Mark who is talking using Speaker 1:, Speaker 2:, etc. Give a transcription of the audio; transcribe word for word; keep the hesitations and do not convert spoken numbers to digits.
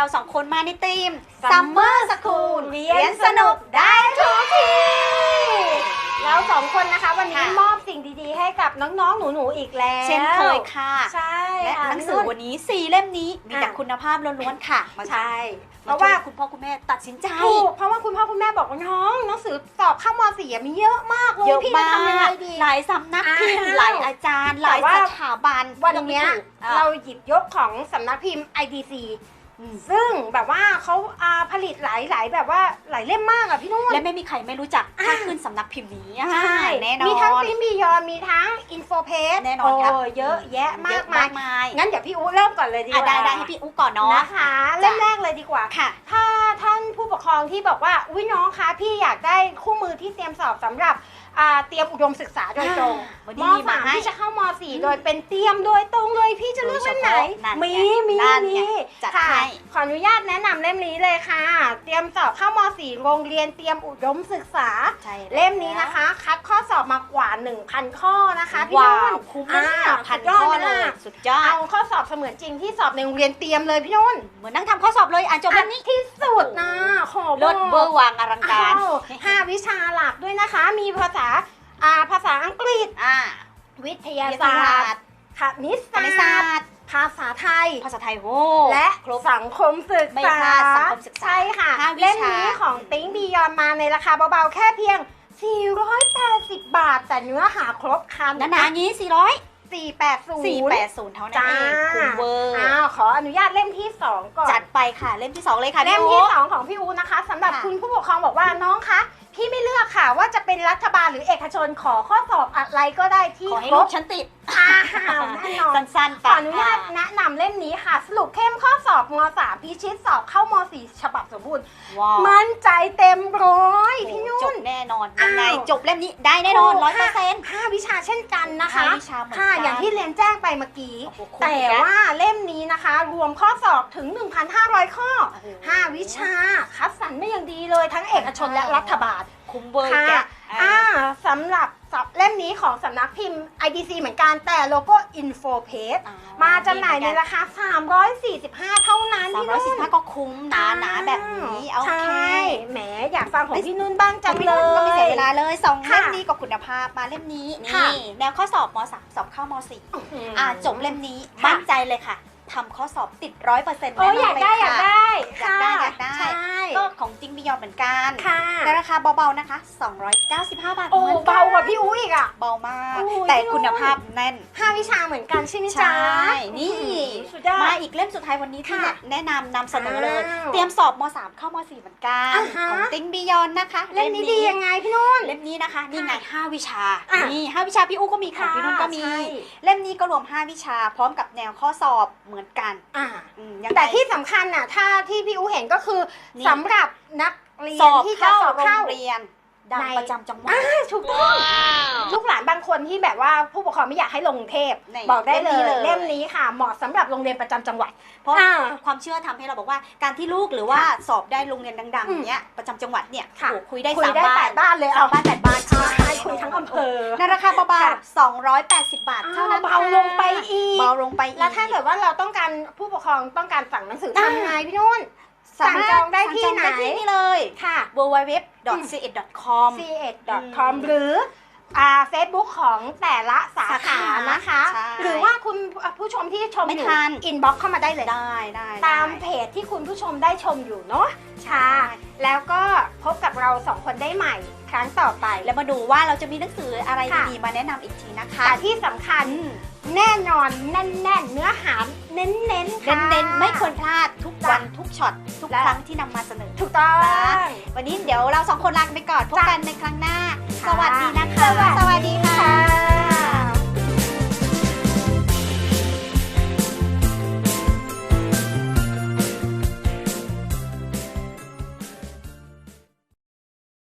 Speaker 1: สองคนมาในทีม Summer School เรียนสนุกได้ทุกที
Speaker 2: เราสองคนนะคะวันนี้มอบสิ่งดีๆให้กับน้องๆหนูๆอีกแล้ว
Speaker 1: เช่นเคยค่ะ
Speaker 2: ใช่
Speaker 1: และหนังสือวันนี้สี่เล่มนี้มีแต่คุณภาพล้วนๆค่ะ
Speaker 2: ใช่
Speaker 1: เพราะว่าคุณพ่อคุณแม่ตัดสินใจ
Speaker 2: ถูกเพราะว่าคุณพ่อคุณแม่บอกว่าน้องหนังสือสอบเข้าม.สี่มีเยอะมากเลยพี่จะทำยังไงดี
Speaker 1: หลายสำนักพิมพ์หลายอาจารย์หลายสถาบัน
Speaker 2: วันนี้เราหยิบยกของสำนักพิมพ์ ไอ ดี ซี ซึ่งแบบว่าเขาผลิตหลายๆแบบว่าหลายเล่มมากอ่ะพี่นุ่น
Speaker 1: และไม่มีใครไม่รู้จักถ้าขึ้นสำนักพิมพ์นี้
Speaker 2: ใช่
Speaker 1: แน่นอน
Speaker 2: มีทั้งพิมพ์บียอนมีทั้งอินโฟเพจ
Speaker 1: แน่นอนครับ
Speaker 2: เยอะแยะมากมายงั้นเดี๋ยวพี่อู๋เริ่มก่อนเลยดีกว่า
Speaker 1: ได้ได้ให้พี่อู๋ก่อนเนาะ
Speaker 2: นะคะเริ่มแรกเลยดีกว่า
Speaker 1: ค่ะ
Speaker 2: ถ้าท่านผู้ปกครองที่บอกว่าอุ้ยน้องคะพี่อยากได้คู่มือที่เตรียมสอบสำหรับเตรียมอุดมศึกษาโดยตรงม.สามที่จะเข้าม.สี่โดยเป็นเตรียมโดยตรงเลยพี่จะเลือกเล่มไหนมีมีมีค่ะขออนุญาตแนะนำเล่มนี้เลยค่ะเตรียมสอบเข้าม.สี่ โรงเรียนเตรียมอุดมศึกษาเล่มนี้นะคะคัดข้อสอบมากว่า หนึ่งพัน ข้อนะคะพี่นุ่น
Speaker 1: คุ้มมากพันข้อเลยสุดยอด
Speaker 2: เอาข้อสอบเสมือนจริงที่สอบในโรงเรียนเตรียมเลยพี่นุ่น
Speaker 1: เหมือนนั่งทำข้อสอบเลยอ่านจบเล่มนี้
Speaker 2: ที่สุดนะขอ
Speaker 1: เลิศเบอร์วางอลังการ
Speaker 2: ห้าวิชาหลักด้วยนะคะมีภาษาอ่าภาษาอังกฤษ
Speaker 1: อ่า
Speaker 2: วิทยาศาสตร์คณิตศาสตร์ภาษาไทย
Speaker 1: ภาษาไทยโว้
Speaker 2: และสังคมศึกษา
Speaker 1: ไม่พลาดสังคมศึกษา
Speaker 2: ใช่ค่ะเล่มนี้ของติ๊งบียอนมาในราคาเบาๆแค่เพียงสี่ร้อยแปดสิบบาทแต่เนื้อหาครบครัน
Speaker 1: นะๆงี้สี่ร้อย
Speaker 2: สี่ร้อยแปดสิบ
Speaker 1: สี่ร้อยแปดสิบเท่านั้นเองคุ้มเวอร์
Speaker 2: อ้าวขออนุญาตเล่มที่สองก่อน
Speaker 1: จัดไปค่ะเล่มที่สองเลยค่ะ
Speaker 2: เล่มที่สองของพี่อูนะคะสำหรับคุณผู้ปกครองบอกว่าน้องคะพี่ไม่เลือกค่ะว่าจะเป็นรัฐบาลหรือเอกชนขอข้อสอบอะไรก็ได้ที่
Speaker 1: ขอให้ลูกฉันติด
Speaker 2: แน่นอน
Speaker 1: สั้นๆ
Speaker 2: ขออนุญาตแนะนำเล่มนี้ค่ะสรุปเข้มข้อสอบม.สาม พิชิตสอบเข้าม.สี่ ฉบับสมบูรณ์มั่นใจเต็มร้อยพี่นุ่น
Speaker 1: จบแน่นอนยังไงจบเล่มนี้ได้แน่นอนร้อยเปอร์เซ็นต์
Speaker 2: ห้าวิชาเช่นกันนะคะ
Speaker 1: ห้าวิชาเหมือนกัน
Speaker 2: อย่างที่เรียนแจ้งไปเมื่อกี้แต่ว่าเล่มนี้นะคะรวมข้อสอบถึง หนึ่งพันห้าร้อย ข้อห้าวิชาคัดสรรไม่อย่างดีเลยทั้งเอกชนและรัฐบาล
Speaker 1: คุ้มเบอร์แก
Speaker 2: อ่าสำหรับเล่มนี้ของสำนักพิมพ์ ไอ ดี ซี เหมือนกันแต่โลโก้ Info Page มาจำหน่ายในราคาสามร้อยสี่สิบห้าเท่านั้น
Speaker 1: สามร้อยสี่สิบห้าก็คุ้มหนาๆแบบนี้โอเค
Speaker 2: แหมอยากฟังของพี่นุ่นบ้างจังเลย
Speaker 1: ก็ไม่เสียเวลาเลยสองเล่มนี้กับคุณภาพมาเล่มนี้นี่แนวข้อสอบม.สาม สอบเข้าม.สี่อ่าจบเล่มนี้มั่นใจเลยค่ะทำข้อสอบติดร้อยเปอร์เซ็นต์แน่นอนเลยค่ะ
Speaker 2: อยากได้อยากได้
Speaker 1: อยากได้อยากได้ก็ของจริงบิยอนเหมือนกันในราคาเบาๆนะคะสองร้อยเก้าสิบห้าบาท
Speaker 2: โอ้เบากว่าพี่อุ้ยอีกอ่ะ
Speaker 1: เบามากแต่คุณภาพแน่น
Speaker 2: ห้าวิชาเหมือนกันใช่ไหมจ๊ะ
Speaker 1: นี่มาอีกเล่มสุดท้ายวันนี้ที่แนะนำนำเสนอเลยเตรียมสอบม.สาม เข้าม.สี่เหมือนกันของจริงบิยอนนะคะ
Speaker 2: เล่มนี้ดียังไงพี่นุ่น
Speaker 1: เล่มนี้นะคะนี่ไงห้าวิชานี่ห้าวิชาพี่อุ้ก็มีของพี่นุ่นก็มีเล่มนี้ก็รวมห้าวิชาพร้อมกับแนวข้อสอบเหมือนกัน
Speaker 2: แต่ที่สำคัญน่ะถ้าที่พี่อูเห็นก็คือสำหรับนักเรียนที่จะสอบเข้า
Speaker 1: โรงเรียนดังประจำจังหวัด
Speaker 2: ถูกต้องลูกหลานบางคนที่แบบว่าผู้ปกครองไม่อยากให้ลงกรุงเทพบอกได้เลยเล่มนี้ค่ะเหมาะสำหรับโรงเรียนประจำจังหวัด
Speaker 1: เพราะความเชื่อทำให้เราบอกว่าการที่ลูกหรือว่าสอบได้โรงเรียนดังๆเนี้ยประจำจังหวัดเนี่ยคุยได้สามบ้าน
Speaker 2: บ้านเลย
Speaker 1: เอาบ้านแปดบ้าน
Speaker 2: ใช่คุยทั้งอำเภอ
Speaker 1: ในราคาเบาๆสองร้อยแปดสิบบาทเท่านั้น
Speaker 2: เบาลงไปอีก
Speaker 1: เบาลงไปอีก
Speaker 2: แล้วถ้าเกิดว่าเราต้องการผู้ปกครองต้องการสั่งหนังสือทำไงพี่นุ่นสั่งจองได้ที่ไหน
Speaker 1: ที่นี่เลย
Speaker 2: ค่ะ
Speaker 1: ดับเบิลยู ดับเบิลยู ดับเบิลยู ดอท ซี เอ็ด ดอท คอม
Speaker 2: ซี เอ็ด ดอท คอม หรืออ่า Facebook ของแต่ละสาขานะคะหรือว่าคุณผู้ชมที่ชมอยู่อินบ็อกซ์เข้ามาได้เลย
Speaker 1: ได้ได้
Speaker 2: ตามเพจที่คุณผู้ชมได้ชมอยู่เนาะค่ะแล้วก็พบกับเราสองคนได้ใหม่ครั้งต่อไป
Speaker 1: แล้วมาดูว่าเราจะมีหนังสืออะไรดีๆมาแนะนำอีกทีนะคะ
Speaker 2: แต่ที่สำคัญแน่นอนแน่นๆเนื้อหาเน้นๆเน้น
Speaker 1: เน้นๆไม่ควรพลาดทุกวันทุกช็อตทุกครั้งที่นำมาเสนอ
Speaker 2: ถูกต้อง
Speaker 1: วันนี้เดี๋ยวเราสองคนลาไปก่อนพบกันในครั้งหน้าสวัสดีนะคะ
Speaker 2: สวัสดี